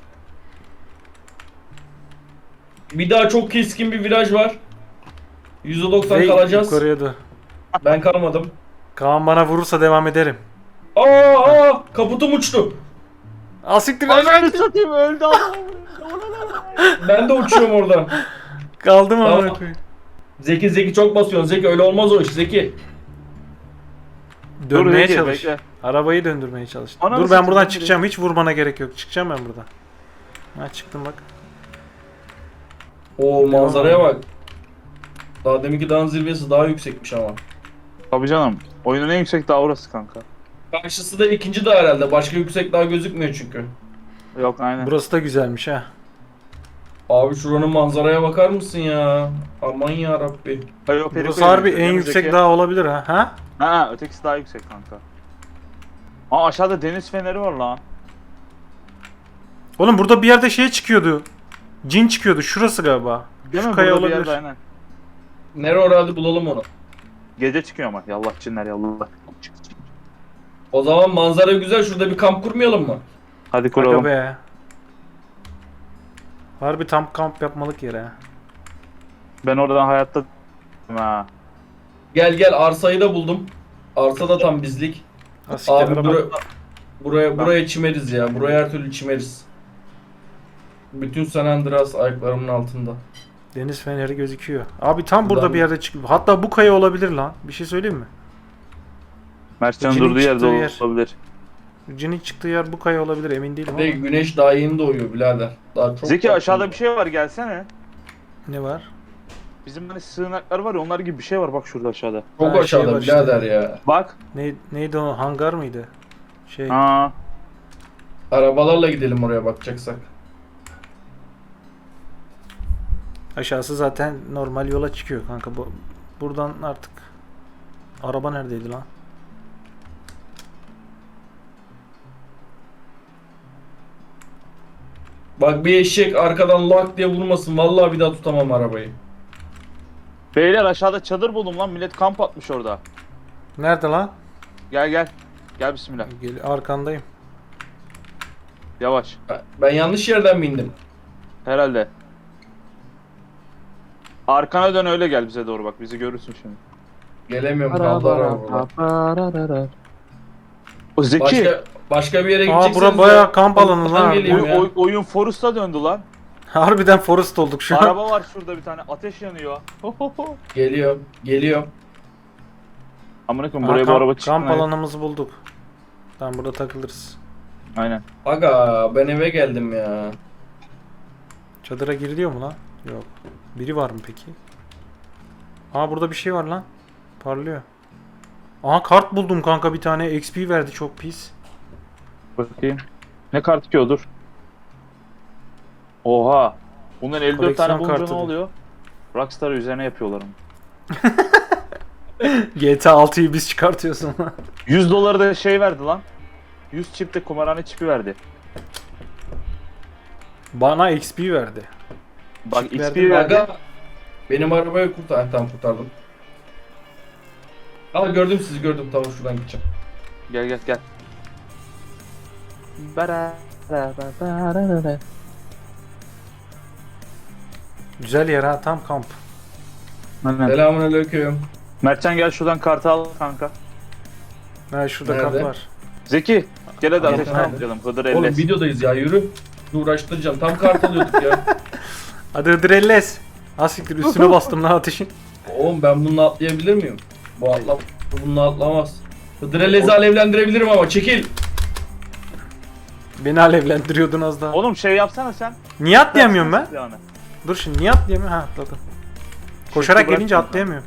Speaker 3: Bir daha çok keskin bir viraj var. yüzde doksan
Speaker 1: Ve
Speaker 3: kalacağız.
Speaker 1: yukarıya da.
Speaker 3: Ben kalmadım.
Speaker 1: Kaan bana vurursa devam ederim.
Speaker 3: Aa, aa kaputum uçtu.
Speaker 1: Az siktir
Speaker 2: Ananı satayım öldü ama.
Speaker 3: Ben de uçuyorum oradan.
Speaker 1: Kaldım ama.
Speaker 3: Tamam. Zeki Zeki çok basıyorsun. Zeki öyle olmaz o iş Zeki.
Speaker 1: Dönmeye
Speaker 2: Dur,
Speaker 1: çalış.
Speaker 2: bekle.
Speaker 1: Arabayı döndürmeye çalış.
Speaker 2: Ananı
Speaker 1: Dur ben
Speaker 2: satayım,
Speaker 1: buradan
Speaker 2: ben
Speaker 1: çıkacağım. Hiç vurmana gerek yok. Çıkacağım ben buradan. Ha çıktım bak.
Speaker 3: O manzaraya bak. Daha deminki dağın zirvesi daha yüksekmiş ama.
Speaker 2: Tabii canım. Oyunun en yüksek dağı orası kanka.
Speaker 3: Karşısı da ikinci dağ herhalde. Başka yüksek dağ gözükmüyor çünkü.
Speaker 2: Yok aynen.
Speaker 1: Burası da güzelmiş ha.
Speaker 3: Abi şuranın manzaraya bakar mısın ya? Aman ya Rabbi.
Speaker 2: Hayır, o Periko'ya
Speaker 1: Burası harbi
Speaker 2: benziyor.
Speaker 1: en
Speaker 2: Önümüzdeki-
Speaker 1: yüksek dağ olabilir ha. Ha?
Speaker 2: Ha ötekisi daha yüksek kanka. Aa aşağıda deniz feneri var lan.
Speaker 1: Oğlum burada bir yerde şey çıkıyordu. Cin çıkıyordu. Şurası galiba.
Speaker 2: Değil
Speaker 1: Şu
Speaker 2: mi?
Speaker 1: kaya
Speaker 2: Burada bir
Speaker 1: olabilir.
Speaker 2: yerde aynen.
Speaker 3: Nere orada hadi bulalım onu.
Speaker 2: Gece çıkıyor ama. Yallah cinler yallah.
Speaker 3: O zaman manzara güzel. Şurada bir kamp kurmayalım mı?
Speaker 2: Hadi
Speaker 1: Aga
Speaker 2: kuralım.
Speaker 1: be. Harbi tam kamp yapmalık yer ha.
Speaker 2: Ben oradan hayatta ha.
Speaker 3: Gel gel arsayı da buldum. Arsa da tam bizlik.
Speaker 1: Ha, siktir,
Speaker 3: Abi
Speaker 1: araba-
Speaker 3: bura, buraya buraya çimeriz ya. Buraya her türlü çimeriz. Bütün San Andreas ayaklarımın altında.
Speaker 1: Deniz feneri gözüküyor. Abi tam burada
Speaker 3: Buradan-
Speaker 1: bir yerde çıkıyor. Hatta bu kaya olabilir lan. Bir şey söyleyeyim mi?
Speaker 2: Mertcan
Speaker 1: İçinin
Speaker 2: durduğu yerde
Speaker 1: çıktığı yer.
Speaker 2: olabilir.
Speaker 1: Cinin çıktığı yer bu kaya olabilir, emin değilim
Speaker 3: Ve
Speaker 1: ama.
Speaker 3: güneş daha yeni doğuyor birader. Daha çok
Speaker 2: Zeki
Speaker 3: var.
Speaker 2: aşağıda bir şey var, gelsene.
Speaker 1: Ne var?
Speaker 2: Bizim hani sığınaklar var ya, onlar gibi bir şey var bak şurada aşağıda.
Speaker 3: Çok
Speaker 1: Ha, şey
Speaker 3: aşağıda
Speaker 1: var işte.
Speaker 3: birader ya.
Speaker 2: Bak.
Speaker 1: Ne, neydi o? Hangar mıydı? Şey.
Speaker 2: Ha.
Speaker 3: Arabalarla gidelim oraya bakacaksak.
Speaker 1: Aşağısı zaten normal yola çıkıyor kanka. Bu, buradan artık. Araba neredeydi lan?
Speaker 3: Bak bir eşek arkadan lak diye vurmasın. Vallahi bir daha tutamam arabayı.
Speaker 2: Beyler aşağıda çadır buldum lan, millet kamp atmış orada.
Speaker 1: Nerede lan?
Speaker 2: Gel gel. Gel bismillah.
Speaker 1: Gel, arkandayım.
Speaker 2: Yavaş.
Speaker 3: Ben yanlış yerden mi indim?
Speaker 2: Herhalde. Arkana dön, öyle gel bize doğru, bak bizi görürsün şimdi.
Speaker 3: Gelemiyorum, kaldı araba burada.
Speaker 2: O Zeki.
Speaker 3: Başka, başka bir yere
Speaker 1: Aa,
Speaker 3: gidecekseniz...
Speaker 1: bura bayağı kamp alanı
Speaker 3: oradan
Speaker 1: lan.
Speaker 3: geleyim
Speaker 2: Oy-
Speaker 3: ya.
Speaker 2: oy- oyun Forest'a döndü lan.
Speaker 1: Harbiden Forest olduk şu an.
Speaker 2: Araba var şurada bir tane, ateş yanıyor.
Speaker 3: Geliyorum, geliyorum.
Speaker 2: Amına koyayım,
Speaker 1: Aa,
Speaker 2: buraya bu
Speaker 1: kamp,
Speaker 2: araba çıktı.
Speaker 1: kamp
Speaker 2: lan.
Speaker 1: alanımızı bulduk. Tamam, burada takılırız.
Speaker 2: Aynen.
Speaker 3: Aga ben eve geldim ya.
Speaker 1: Çadıra giriliyor mu lan? Yok. Biri var mı peki? Aa, burada bir şey var lan. Parlıyor. Aha, kart buldum kanka bir tane. X P verdi, çok pis.
Speaker 2: Bakayım. Ne kartı ki o, dur. Oha. Bundan elli dört
Speaker 1: Koleksiyon
Speaker 2: tane bulunca
Speaker 1: kartı
Speaker 2: ne
Speaker 1: bu.
Speaker 2: oluyor? Rockstar üzerine yapıyorlar onu.
Speaker 1: G T A altıyı biz çıkartıyorsun.
Speaker 2: yüz doları da şey verdi lan. yüz çip de kumarhane çipi verdi.
Speaker 1: Bana X P verdi.
Speaker 2: Bak
Speaker 1: Çip
Speaker 2: X
Speaker 1: verdi
Speaker 2: P
Speaker 1: mi?
Speaker 2: verdi.
Speaker 3: Aga benim arabayı kurtar. Tamam kurtardım. Aa gördüm sizi gördüm. Tamam şuradan gideceğim.
Speaker 2: Gel gel gel.
Speaker 1: Güzel yer ha, tam kamp.
Speaker 2: Aynen.
Speaker 3: Selamünaleyküm.
Speaker 2: Mertcan gel şuradan kartı al kanka.
Speaker 1: Ha, şurada
Speaker 3: Nerede?
Speaker 1: kamp var.
Speaker 2: Zeki gel hadi
Speaker 1: Tamam,
Speaker 2: ateşten
Speaker 1: nerede?
Speaker 2: atlayalım. Hıdır
Speaker 3: Oğlum
Speaker 2: elles.
Speaker 3: videodayız ya yürü. Uğraştıracağım. Tam kart alıyorduk ya.
Speaker 1: Hadi Hıdrellez. Asiktir, üstüne bastım lan ateşin.
Speaker 3: Oğlum ben bununla atlayabilir miyim? Bu atla bununla atlamaz. Hıdrellezi alevlendirebilirim ama çekil.
Speaker 1: Beni alevlendiriyordun az daha.
Speaker 2: Oğlum şey yapsana sen.
Speaker 1: Niye atlayamıyorum ben?
Speaker 2: Silahını.
Speaker 1: Dur şimdi, niye atlayamıyorum? Ha, atladım. Koşarak
Speaker 2: bırak
Speaker 1: gelince
Speaker 2: kanka.
Speaker 1: atlayamıyorum.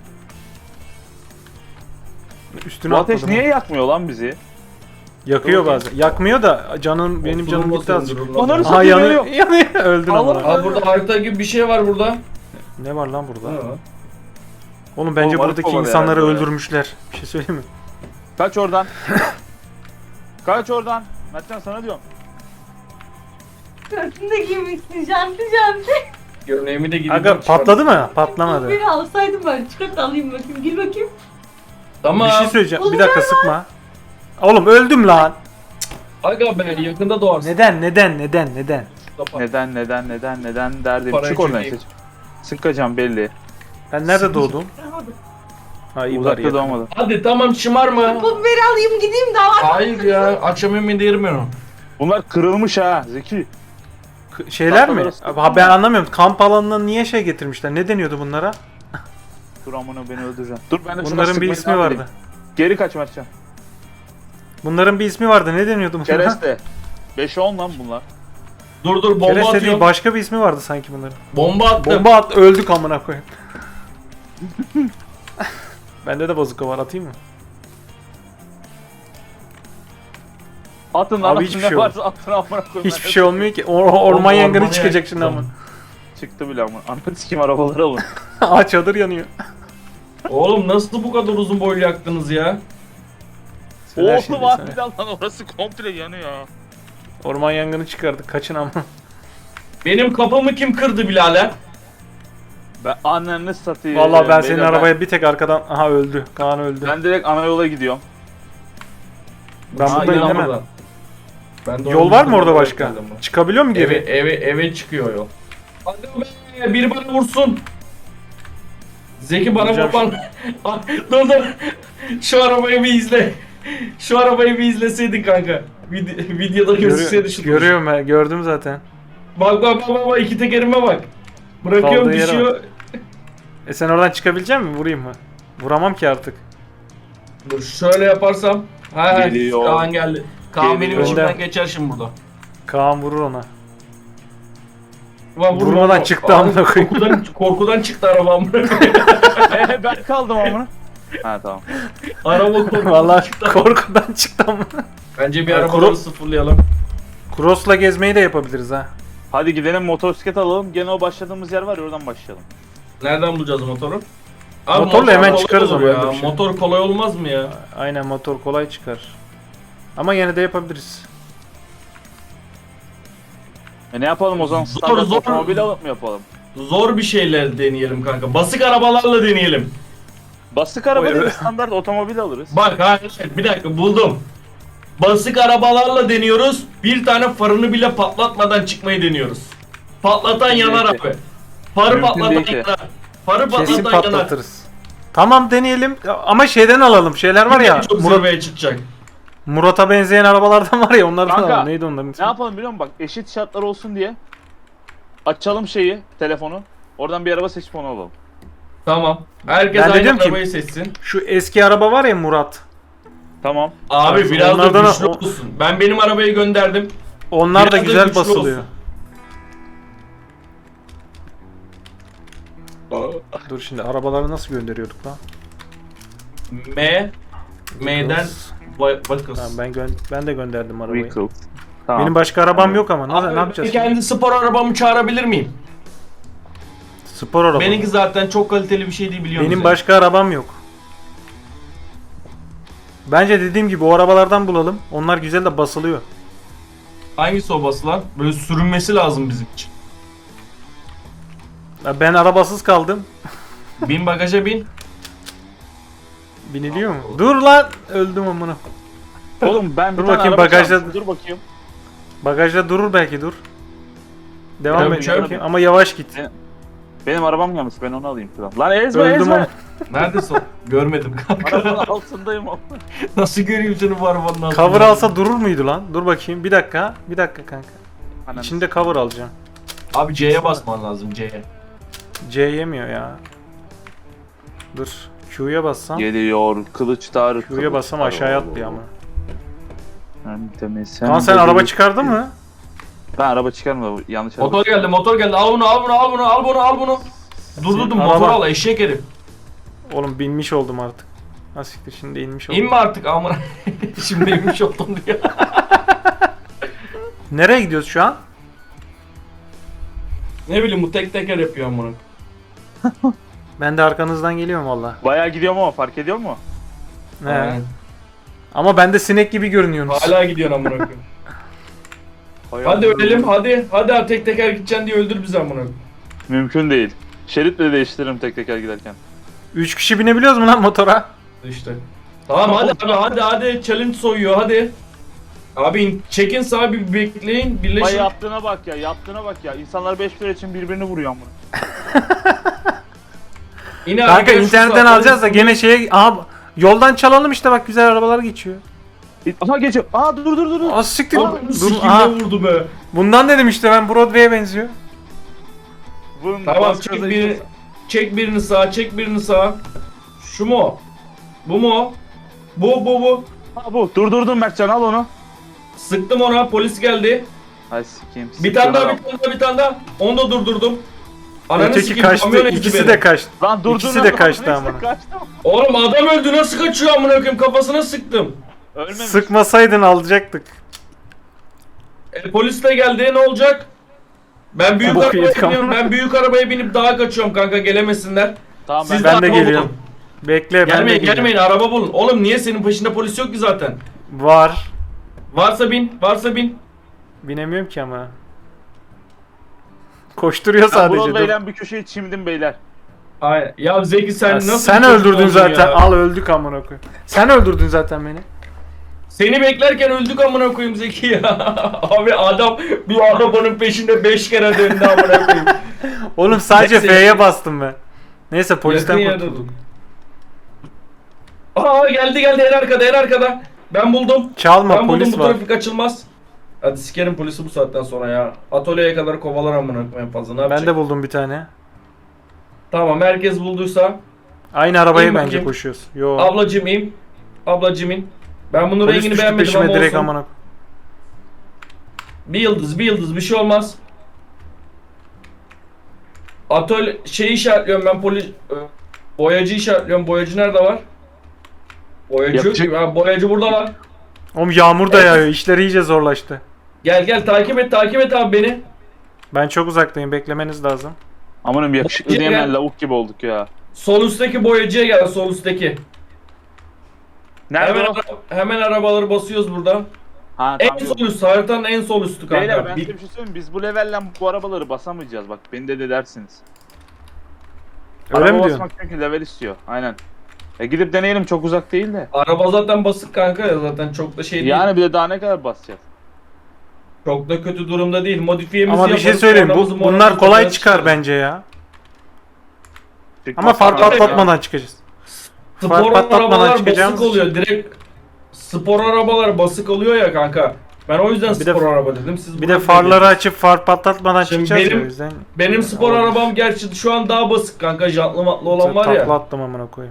Speaker 1: Üstüne
Speaker 2: Bu ateş
Speaker 1: atladım.
Speaker 2: niye yakmıyor lan bizi?
Speaker 1: Yakıyor
Speaker 3: Dur,
Speaker 1: bazen. Yakmıyor da canım, benim canım gitti azıcık.
Speaker 2: Onları
Speaker 1: Aha,
Speaker 2: satıyor,
Speaker 1: yanıyor.
Speaker 2: yanıyor.
Speaker 1: Yanıyor. Öldün
Speaker 2: Allah
Speaker 1: ama.
Speaker 3: Aa burada harita gibi bir şey var burada.
Speaker 1: Ne var lan burada?
Speaker 3: Ha.
Speaker 1: Oğlum bence
Speaker 2: Oğlum, arı
Speaker 1: buradaki
Speaker 2: kovalıyor
Speaker 1: insanları
Speaker 2: herhalde.
Speaker 1: öldürmüşler. Bir şey söyleyeyim mi?
Speaker 2: Kaç oradan. Kaç oradan. Mertcan sana diyorum.
Speaker 4: Sırtını da giymişsin janti janti.
Speaker 3: Gömleğimi de gidip
Speaker 1: Aga patladı mı? Patlamadı.
Speaker 4: Beni alsaydım ben çıkart alayım bakayım. Gir bakayım.
Speaker 3: Tamam.
Speaker 1: Bir şey söyleyeceğim. Bir
Speaker 4: Oğlum,
Speaker 1: dakika, sıkma. Oğlum öldüm lan.
Speaker 3: Aga be yakında doğarsın.
Speaker 1: Neden? Neden? Neden? Neden?
Speaker 2: Neden neden neden neden derdim.
Speaker 3: Parayı
Speaker 2: Çık oradan
Speaker 3: çekeyim.
Speaker 2: işte. Sıkacağım belli.
Speaker 1: Ben nerede doğdum?
Speaker 4: Hadi.
Speaker 1: Ha, iyi bari
Speaker 2: Uzakta
Speaker 1: yakın.
Speaker 2: doğmadı.
Speaker 3: Hadi tamam şımarma.
Speaker 4: Pul biberi alayım gideyim daha.
Speaker 3: Hayır ya akşam yemeğinde yerim ben onu.
Speaker 2: Bunlar kırılmış ha Zeki.
Speaker 1: K- Şeyler mi?
Speaker 2: Tahtaları
Speaker 1: Ha, ben anlamıyorum. Kamp alanına niye şey getirmişler? Ne deniyordu bunlara?
Speaker 2: Dur amına beni öldüreceğim. Dur ben de şuna
Speaker 1: Bunların bir
Speaker 2: sıkmayı
Speaker 1: ismi
Speaker 2: devam
Speaker 1: vardı.
Speaker 2: edeyim. Geri kaç Mertcan.
Speaker 1: Bunların bir ismi vardı. Ne deniyordu bunlara?
Speaker 2: Kereste. beşe on lan bunlar.
Speaker 3: Dur dur bomba
Speaker 1: Kereste değil,
Speaker 3: atıyorum.
Speaker 1: başka bir ismi vardı sanki bunların.
Speaker 3: Bomba attım.
Speaker 1: Bomba at, öldük amına koyayım. Bende de bazuka var, atayım mı?
Speaker 2: Atın lan
Speaker 1: Abi
Speaker 2: atın,
Speaker 1: hiçbir
Speaker 2: ne
Speaker 1: şey
Speaker 2: varsa atın amına koyayım.
Speaker 1: Hiçbir şey olmuyor ki. Or orman
Speaker 3: Oğlum,
Speaker 1: yangını
Speaker 3: ormanı
Speaker 1: çıkacak şimdi
Speaker 3: yaktım.
Speaker 1: ama.
Speaker 2: Çıktı bile ama. Anladın sikim arabaları alın.
Speaker 1: Aa, çadır yanıyor.
Speaker 3: Oğlum nasıl bu kadar uzun boylu yaktınız ya?
Speaker 1: Söyle şimdi,
Speaker 2: Oğlum
Speaker 1: söyle.
Speaker 2: harbiden lan orası komple yanıyor.
Speaker 1: Orman yangını çıkardık. Kaçın ama.
Speaker 3: Benim kapımı kim kırdı birader?
Speaker 2: Ben anneni satayım.
Speaker 1: Vallahi ben senin
Speaker 2: Beyler,
Speaker 1: arabaya bir tek arkadan... Aha, öldü. Kaan öldü.
Speaker 2: Ben, ben direkt ana yola gidiyorum.
Speaker 1: Ben
Speaker 3: Aa,
Speaker 1: buradayım
Speaker 3: inan
Speaker 1: hemen.
Speaker 3: buradan. Ben de
Speaker 1: Yol var mı
Speaker 3: oradan
Speaker 1: orada
Speaker 3: buraya
Speaker 1: başka?
Speaker 3: geldim ben.
Speaker 1: Çıkabiliyor mu
Speaker 3: Eve,
Speaker 1: geri?
Speaker 3: eve, eve çıkıyor yol. Hadi be, biri bana vursun. Zeki bana
Speaker 1: Vuracağım
Speaker 3: vurman. Dur dur. Şu arabayı bir izle. Şu arabayı bir izleseydin kanka. Vid- videoda gözükseydi
Speaker 1: Görüyor,
Speaker 3: şu.
Speaker 1: görüyorum ben. Gördüm zaten.
Speaker 3: Bak bak bak bak iki tekerime bak. Bırakıyorum
Speaker 1: Kaldığı yere
Speaker 3: düşüyor.
Speaker 1: E sen oradan çıkabilecek misin? Vurayım mı? Vuramam ki artık.
Speaker 3: Dur şöyle yaparsam. Ha
Speaker 2: Geliyor.
Speaker 3: Kaan geldi. Kaan benim
Speaker 2: Geliyor.
Speaker 3: içimden
Speaker 1: Önden.
Speaker 3: geçer şimdi burada.
Speaker 1: Kaan vurur ona.
Speaker 3: Ulan vurma
Speaker 1: Vurmadan
Speaker 3: ama.
Speaker 1: çıktı
Speaker 3: Aa,
Speaker 1: amına koyayım.
Speaker 3: Korkudan, korkudan çıktı araba amına koyayım.
Speaker 2: Ee, ben kaldım amına. Ha tamam.
Speaker 3: Araba korkudan
Speaker 1: Vallahi
Speaker 3: çıktı.
Speaker 1: korkudan çıktı ama.
Speaker 3: Bence bir
Speaker 1: Ya,
Speaker 3: arabaları
Speaker 1: kuru-
Speaker 3: sıfırlayalım.
Speaker 1: Cross'la gezmeyi de yapabiliriz ha.
Speaker 2: Hadi gidelim motosiklet alalım. Gene o başladığımız yer var ya oradan başlayalım.
Speaker 3: Nereden bulacağız motoru? Abi,
Speaker 1: Motorla
Speaker 3: motor
Speaker 1: hemen
Speaker 3: kolay
Speaker 1: çıkarız
Speaker 3: olur
Speaker 1: ama
Speaker 3: ya.
Speaker 1: öyle bir şey.
Speaker 3: Motor kolay olmaz mı ya?
Speaker 1: Aynen motor kolay çıkar. Ama yine de yapabiliriz.
Speaker 2: E ne yapalım o zaman?
Speaker 3: Zor,
Speaker 2: Standart
Speaker 3: zor.
Speaker 2: otomobil alıp mı yapalım?
Speaker 3: Zor bir şeyler deneyelim kanka. Basık arabalarla deneyelim.
Speaker 2: Bastık araba
Speaker 1: Oy,
Speaker 2: değil
Speaker 1: evet.
Speaker 2: standart otomobil alırız.
Speaker 3: Bak ha bir dakika buldum. Basık arabalarla deniyoruz. Bir tane farını bile patlatmadan çıkmayı deniyoruz. Patlatan
Speaker 2: Mümkün
Speaker 3: yanar
Speaker 2: değil ki.
Speaker 3: abi. Farı
Speaker 2: Mümkün
Speaker 3: patlatan
Speaker 2: değil ki.
Speaker 3: yanar. Farı
Speaker 1: Kesin
Speaker 3: patlatan yanar.
Speaker 1: patlatırız. Tamam deneyelim ama şeyden alalım. Şeyler var ya.
Speaker 3: Çok
Speaker 1: Murat,
Speaker 3: zirveye çıkacak.
Speaker 1: Murat'a benzeyen arabalardan var ya onlardan
Speaker 2: Kanka,
Speaker 1: alalım. Neydi onların
Speaker 2: Ne
Speaker 1: ismi?
Speaker 2: yapalım biliyor musun? Bak eşit şartlar olsun diye açalım şeyi, telefonu. Oradan bir araba seçip onu alalım.
Speaker 3: Tamam. Herkes
Speaker 1: Ben de
Speaker 3: aynı
Speaker 1: diyorum ki-
Speaker 3: arabayı seçsin.
Speaker 1: Şu eski araba var ya Murat.
Speaker 2: Tamam.
Speaker 3: Abi
Speaker 1: Abi,
Speaker 3: biraz da
Speaker 1: onlardan-
Speaker 3: güçlü olsun. Ben benim arabayı gönderdim.
Speaker 1: Onlar da
Speaker 3: Biraz da
Speaker 1: güzel
Speaker 3: güçlü
Speaker 1: basılıyor.
Speaker 3: olsun.
Speaker 1: Dur şimdi arabaları nasıl gönderiyorduk lan?
Speaker 3: M M'den Va- Vakıs.
Speaker 1: Tamam, ben gö ben de gönderdim arabayı.
Speaker 2: Vehicle. Tamam.
Speaker 1: Benim başka arabam yok ama.
Speaker 3: Abi,
Speaker 1: Ne, ne yapacağız?
Speaker 3: ben kendi spor arabamı çağırabilir miyim?
Speaker 1: Spor araba.
Speaker 3: Benimki zaten çok kaliteli bir şey değil biliyorsunuz.
Speaker 1: Benim
Speaker 3: yani.
Speaker 1: başka arabam yok. Bence dediğim gibi o arabalardan bulalım. Onlar güzel de basılıyor.
Speaker 3: Hangisi o basılan? Böyle sürünmesi lazım bizim için.
Speaker 1: Ya ben arabasız kaldım.
Speaker 3: Bin bagaja bin.
Speaker 1: Biniliyor mu? Dur lan! Öldüm amına.
Speaker 2: Oğlum ben bir
Speaker 1: Dur
Speaker 2: tane
Speaker 1: bakayım,
Speaker 2: araba
Speaker 1: bagajda-
Speaker 2: çalmışım. Dur bakayım.
Speaker 1: Bagajda durur belki dur. Devam
Speaker 3: Ya,
Speaker 1: et
Speaker 3: çöp.
Speaker 1: bakayım ama yavaş git.
Speaker 2: Benim arabam gelmiş ben onu alayım şuradan. Lan ezme
Speaker 1: Öldüm
Speaker 2: ezme.
Speaker 1: ama.
Speaker 3: Neredesin? o? Görmedim kanka.
Speaker 2: Arabanın altındayım ama.
Speaker 3: Nasıl göreyim seni bu arabanın altında?
Speaker 1: Cover alsa durur muydu lan? Dur bakayım. Bir dakika. Bir dakika kanka.
Speaker 2: Ananı
Speaker 1: İçinde cover alacağım.
Speaker 3: Abi C'ye basman lazım C'ye.
Speaker 1: C yemiyor ya. Dur. Q'ya bassam.
Speaker 2: Geliyor kılıçlar.
Speaker 1: Q'ya bassam aşağıya atlıyor ama.
Speaker 2: Sen
Speaker 1: Lan sen araba çıkardın mı?
Speaker 2: Ben araba çıkarmadım. Yanlış araba.
Speaker 3: Motor geldi motor geldi. Al bunu al bunu al bunu al bunu al bunu. Durdurdum
Speaker 1: Senin
Speaker 3: motor
Speaker 1: araba-
Speaker 3: al eşek herif.
Speaker 1: Oğlum binmiş oldum artık. Nasıl siktir şimdi inmiş oldum.
Speaker 3: İnme artık amına. Şimdi inmiş oldum diyor.
Speaker 1: Nereye gidiyoruz şu an?
Speaker 3: Ne bileyim bu tek teker yapıyor amına.
Speaker 1: Ben de arkanızdan geliyorum valla.
Speaker 2: Bayağı gidiyorum ama fark ediyor mu?
Speaker 1: He.
Speaker 3: Aynen.
Speaker 1: Ama ben de sinek gibi görünüyorsunuz.
Speaker 3: Hala gidiyorsun amına koyayım. Hadi ölelim hadi. Hadi abi tek teker gideceksin diye öldür bizi amına koyayım.
Speaker 2: Mümkün değil. Şerit bile değiştiririm tek teker giderken.
Speaker 1: Üç kişi binebiliyoruz mu lan motora?
Speaker 3: İşte. Tamam hadi abi hadi hadi challenge soyuyor hadi. Abi in- çekin sağa bir bekleyin
Speaker 2: Ay
Speaker 3: birleşin.
Speaker 2: yaptığına bak ya, yaptığına bak ya. İnsanlar beş lira için birbirini vuruyor ama.
Speaker 3: İn abi,
Speaker 1: Kanka
Speaker 3: gel şu
Speaker 1: internetten
Speaker 3: sağa.
Speaker 1: alacağız da gene şeye... Aha yoldan çalalım işte bak güzel arabalar geçiyor.
Speaker 2: Aha geçiyor. Aa dur dur dur dur.
Speaker 1: Aa siktir.
Speaker 3: Aa,
Speaker 1: Dur.
Speaker 3: sikimle
Speaker 1: Aha.
Speaker 3: vurdu be.
Speaker 1: Bundan dedim işte ben Broadway'e benziyor.
Speaker 2: Vurun,
Speaker 3: Tamam
Speaker 2: bas
Speaker 3: çek
Speaker 2: gaza
Speaker 3: birini,
Speaker 2: işte.
Speaker 3: çek birini sağa, çek birini sağa. Şu mu? o? Bu mu? o? Bu bu bu.
Speaker 2: Ha bu. Durdurdum Mertcan al onu.
Speaker 3: Sıktım ona, polis geldi.
Speaker 2: Ay sikeyim.
Speaker 3: Bir tane daha,
Speaker 2: Sıkıyorum.
Speaker 3: bir tane daha, bir tane daha. Onu da durdurdum. Ananı
Speaker 1: Öteki
Speaker 3: sikeyim, kamyon
Speaker 1: kaçtı.
Speaker 3: ezdi
Speaker 1: İkisi
Speaker 3: beni.
Speaker 1: de kaçtı.
Speaker 2: Lan durdun
Speaker 1: İkisi
Speaker 2: lan,
Speaker 1: de
Speaker 2: lan,
Speaker 1: kaçtı
Speaker 2: ikisi de
Speaker 1: amına.
Speaker 2: kaçtı.
Speaker 3: Oğlum adam öldü, nasıl kaçıyor amına koyayım, kafasına sıktım.
Speaker 2: Ölmemiş.
Speaker 1: Sıkmasaydın alacaktık.
Speaker 3: E, polis de geldi, ne olacak? Ben büyük
Speaker 1: Bok
Speaker 3: arabaya
Speaker 1: yedik ama.
Speaker 3: biniyorum, ben büyük arabaya binip dağa kaçıyorum kanka, gelemesinler.
Speaker 2: Tamam
Speaker 3: Siz
Speaker 2: ben,
Speaker 1: Ben de
Speaker 3: araba
Speaker 1: geliyorum.
Speaker 3: bulun.
Speaker 1: Bekle ben de
Speaker 3: Gelmeyin,
Speaker 1: geliyorum.
Speaker 3: gelmeyin, araba bulun. Oğlum niye senin peşinde polis yok ki zaten?
Speaker 1: Var.
Speaker 3: Varsa bin, varsa bin.
Speaker 1: Binemiyorum ki ama. Koşturuyor
Speaker 2: ben
Speaker 1: sadece. dur.
Speaker 2: Broadway'den bir köşeye çimdim beyler.
Speaker 3: Ay, ya Zeki sen
Speaker 1: Ya
Speaker 3: nasıl
Speaker 1: sen
Speaker 3: bir çocuk
Speaker 1: öldürdün
Speaker 3: oldun
Speaker 1: zaten.
Speaker 3: ya?
Speaker 1: Al öldük amına koyayım. Sen öldürdün zaten beni.
Speaker 3: Seni beklerken öldük amına koyayım Zeki ya. Abi adam bir arabanın peşinde beş kere döndü amına koyayım.
Speaker 1: Oğlum sadece
Speaker 3: Neyse.
Speaker 1: F'ye bastım ben. Neyse polisten
Speaker 3: Yakın yerde
Speaker 1: kurtuldum.
Speaker 3: dur. Aa geldi geldi en arkada en arkada. Ben buldum.
Speaker 1: Çalma
Speaker 3: ben buldum,
Speaker 1: polis
Speaker 3: bu
Speaker 1: var.
Speaker 3: trafik açılmaz. Hadi sikerim polisi bu saatten sonra ya. Atölyeye kadar kovalar amına koyayım en fazla, ne yapacak?
Speaker 1: Ben de buldum bir tane.
Speaker 3: Tamam herkes bulduysa.
Speaker 1: Aynı arabaya
Speaker 3: İn
Speaker 1: bence
Speaker 3: bakayım.
Speaker 1: koşuyoruz. Yo.
Speaker 3: Ablacım in. Ablacım in. Ben bunun
Speaker 1: Polis
Speaker 3: rengini
Speaker 1: düştü
Speaker 3: beğenmedim
Speaker 1: peşime
Speaker 3: ama
Speaker 1: direkt
Speaker 3: olsun.
Speaker 1: amına.
Speaker 3: Bir yıldız, bir yıldız, bir şey olmaz. Atölye şeyi işaretliyorum ben, poli boyacı işaretliyorum. Boyacı nerede var? Boyacı yok
Speaker 2: Yapacak-
Speaker 3: ki. Ha, boyacı burada var.
Speaker 1: Oğlum yağmur da yağıyor. İşler iyice zorlaştı.
Speaker 3: Gel gel, takip et, takip et abi beni.
Speaker 1: Ben çok uzaktayım. Beklemeniz lazım.
Speaker 2: Amanım yakışıklı
Speaker 3: Gel,
Speaker 2: diyemeyen
Speaker 3: gel.
Speaker 2: lavuk gibi olduk ya.
Speaker 3: Sol üstteki boyacıya gel, sol üstteki.
Speaker 2: Nerede
Speaker 3: Hemen,
Speaker 2: o?
Speaker 3: ara- hemen arabaları basıyoruz burada.
Speaker 2: Ha,
Speaker 3: En
Speaker 2: tamam.
Speaker 3: sol üst, haritanın en sol üstü kanka.
Speaker 2: Beyler ben
Speaker 3: Bir-
Speaker 2: size bir şey söyleyeyim mi? Biz bu levelle bu arabaları basamayacağız bak. Beni de de dersiniz.
Speaker 1: Öyle
Speaker 2: Araba
Speaker 1: mi diyorsun?
Speaker 2: basmak çünkü level istiyor. Aynen. E gidip deneyelim, çok uzak değil de.
Speaker 3: Araba zaten basık kanka ya, zaten çok da şey değil.
Speaker 2: Yani bir de daha ne kadar basacağız?
Speaker 3: Çok da kötü durumda değil. Modifiyemizi
Speaker 1: Ama bir şey
Speaker 3: yaparız,
Speaker 1: söyleyeyim.
Speaker 3: sonramızı
Speaker 1: Bu, bunlar
Speaker 3: moramızı
Speaker 1: kolay
Speaker 3: yaparız,
Speaker 1: çıkar
Speaker 3: çıkarız.
Speaker 1: bence ya.
Speaker 2: Çünkü
Speaker 1: Ama far
Speaker 2: basarlar ya.
Speaker 1: patlatmadan çıkacağız.
Speaker 3: Spor
Speaker 1: Far patlatmadan
Speaker 3: arabalar
Speaker 1: çıkacağımız
Speaker 3: basık oluyor. Direkt spor arabalar basık oluyor ya kanka. Ben o yüzden
Speaker 1: Bir de-
Speaker 3: spor araba dedim. Siz
Speaker 1: Bir
Speaker 3: buna
Speaker 1: de
Speaker 3: ne
Speaker 1: farları
Speaker 3: dediniz?
Speaker 1: açıp far patlatmadan
Speaker 3: Şimdi
Speaker 1: çıkacağız ya,
Speaker 3: benim-
Speaker 1: o yüzden.
Speaker 3: Benim spor
Speaker 1: Olabilir.
Speaker 3: arabam gerçi şu an daha basık kanka. Jantlı matlı olan var ya.
Speaker 1: Takla attım amına koyayım.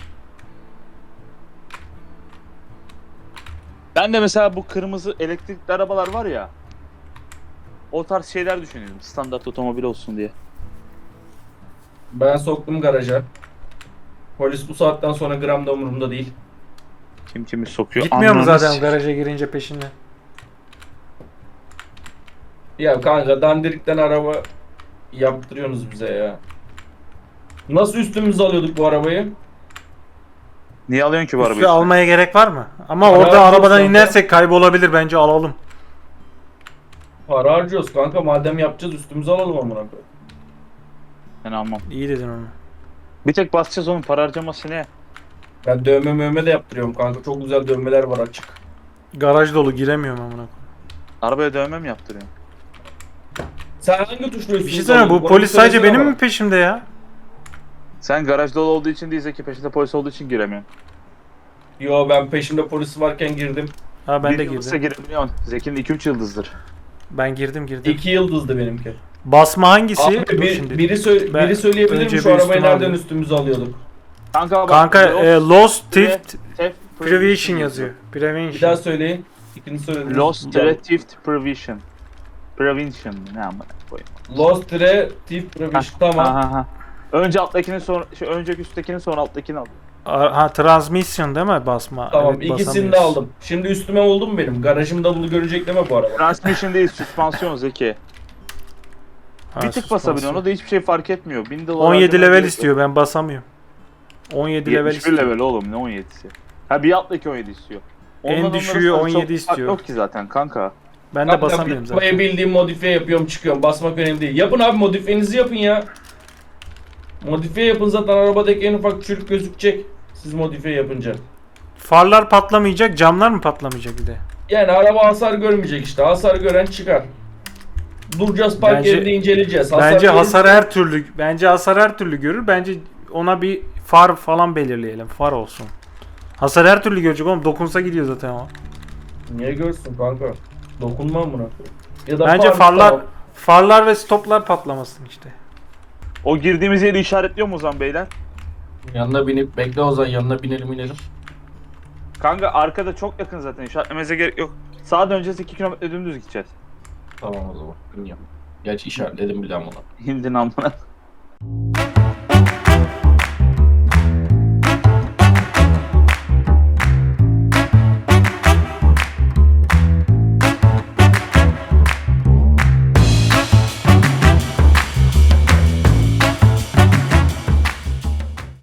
Speaker 2: Ben de mesela bu kırmızı elektrikli arabalar var ya. O tarz şeyler düşünüyorum. Standart otomobil olsun diye.
Speaker 3: Ben soktum garaja. Polis bu saatten sonra gram da umurumda değil.
Speaker 2: Kim kimi sokuyor.
Speaker 1: Gitmiyor mu
Speaker 2: Ananı
Speaker 1: zaten
Speaker 2: s-
Speaker 1: garaja girince peşinden?
Speaker 3: Ya kanka dandirikten araba yaptırıyorsunuz bize ya. Nasıl üstümüze alıyorduk bu arabayı?
Speaker 2: Niye alıyorsun ki bu arabayı?
Speaker 1: Üstü
Speaker 2: işte?
Speaker 1: almaya gerek var mı? Ama
Speaker 3: Para
Speaker 1: orada
Speaker 3: harcıyoruz
Speaker 1: arabadan
Speaker 3: kanka.
Speaker 1: inersek kaybolabilir, bence alalım.
Speaker 3: Para harcıyoruz kanka, madem yapacağız üstümüze alalım amına koyayım.
Speaker 2: Ben almam.
Speaker 1: İyi dedin onu.
Speaker 2: Bir tek basacağız, onun para harcaması ne?
Speaker 3: Ben dövme mövme de yaptırıyorum kanka, çok güzel dövmeler var açık.
Speaker 1: Garaj dolu, giremiyorum amına koyayım.
Speaker 2: Arabaya dövme mi yaptırıyorsun?
Speaker 3: Sen hangi tuşla üstümüze
Speaker 1: Bir şey söyleyeyim, bu
Speaker 3: alıyordun?
Speaker 1: polis
Speaker 3: Onu bir
Speaker 1: sadece
Speaker 3: söylesene
Speaker 1: benim
Speaker 3: bana.
Speaker 1: mi peşimde ya?
Speaker 2: Sen garaj dolu olduğu için değil, Zeki peşinde polis olduğu için giremiyorsun.
Speaker 3: Yo, ben peşimde polisi varken girdim.
Speaker 1: Ha ben
Speaker 2: Bir
Speaker 1: de
Speaker 2: yıldızsa
Speaker 1: girdim.
Speaker 2: girebiliyorsun. Zeki'nin iki üç yıldızdır.
Speaker 1: Ben girdim girdim.
Speaker 3: İki yıldızdı benimki.
Speaker 1: Basma hangisi?
Speaker 3: Abi
Speaker 1: Dur
Speaker 3: bir,
Speaker 1: şimdi.
Speaker 3: biri, sö-
Speaker 1: Ben
Speaker 3: biri söyleyebilir
Speaker 1: önce
Speaker 3: mi şu
Speaker 1: bir
Speaker 3: arabayı
Speaker 1: üstüme
Speaker 3: nereden
Speaker 1: alayım.
Speaker 3: üstümüze alıyorduk?
Speaker 2: Kanka bak.
Speaker 1: Kanka
Speaker 2: Lost,
Speaker 1: e, Lost
Speaker 2: Theft-
Speaker 1: Theft
Speaker 2: Theft
Speaker 1: Prevention yazıyor.
Speaker 3: Bir daha
Speaker 1: Prevention.
Speaker 3: söyleyin. İkinci söylediniz.
Speaker 2: Lost
Speaker 3: Ya,
Speaker 2: Theft Prevention. Prevention ne amına koyayım.
Speaker 3: Lost Dire Thief Prevention. Tamam.
Speaker 2: Ha, ha, ha. Önce alttakini sonra şey, önceki üsttekini sonra alttakini al.
Speaker 1: A- Ha transmission değil mi basma?
Speaker 3: Tamam,
Speaker 1: Evet,
Speaker 3: ikisini de
Speaker 1: basamıyoruz.
Speaker 3: aldım. Şimdi üstüme oldu mu benim? Garajımda bunu görecek deme bu araba.
Speaker 2: Transmission değil, süspansiyon Zeki.
Speaker 1: Ha,
Speaker 2: Bir tık
Speaker 1: suspansiyon.
Speaker 2: basabiliyorsun, o da hiçbir şey fark etmiyor. bin dolar
Speaker 1: on yedi
Speaker 2: harcaman
Speaker 1: level
Speaker 2: gerekiyor.
Speaker 1: istiyor, ben basamıyorum. on yedi level
Speaker 2: yetmiş bir
Speaker 1: istiyor.
Speaker 2: level oğlum, ne on yedisi? Ha bir alttaki on yedi istiyor.
Speaker 1: En
Speaker 2: Ondan
Speaker 1: düşüğü
Speaker 2: onlara
Speaker 1: on yedi
Speaker 2: çok fark
Speaker 1: istiyor.
Speaker 2: Yok ki zaten kanka.
Speaker 1: Ben de
Speaker 3: Kanka,
Speaker 1: basamıyorum
Speaker 3: arabayı
Speaker 1: zaten.
Speaker 3: bildiğim modifiye yapıyorum, çıkıyorum. Basmak önemli değil. Yapın abi, modifiyenizi yapın ya. Modifiye yapın, zaten arabadaki en ufak çürük gözükecek. Siz modifiye yapınca.
Speaker 1: Farlar patlamayacak, camlar mı patlamayacak bir de?
Speaker 3: Yani araba hasar görmeyecek işte. Hasar gören çıkar. Duracağız, park
Speaker 1: Bence-
Speaker 3: yerinde inceleyeceğiz. Hasar
Speaker 1: Bence
Speaker 3: görürse-
Speaker 1: hasar her türlü, bence hasar her türlü görür. Bence ona bir far falan belirleyelim. Far olsun. Hasar her türlü görecek oğlum. Dokunsa gidiyor zaten o.
Speaker 3: Niye görsün kanka? Dokunmam buna. Ya da
Speaker 1: Bence
Speaker 3: far-
Speaker 1: farlar
Speaker 3: tamam.
Speaker 1: farlar ve stoplar patlamasın işte.
Speaker 2: O girdiğimiz yeri işaretliyor mu o zaman beyler?
Speaker 3: Yanına binip bekle o zaman, yanına binelim inelim.
Speaker 2: Kanka arkada çok yakın zaten, işaretlememize gerek yok. Sağa döneceğiz, iki kilometre dümdüz gideceğiz.
Speaker 3: Tamam o zaman. Bilmiyorum. Gerçi işaretledim bile ama.
Speaker 2: Hindin amına.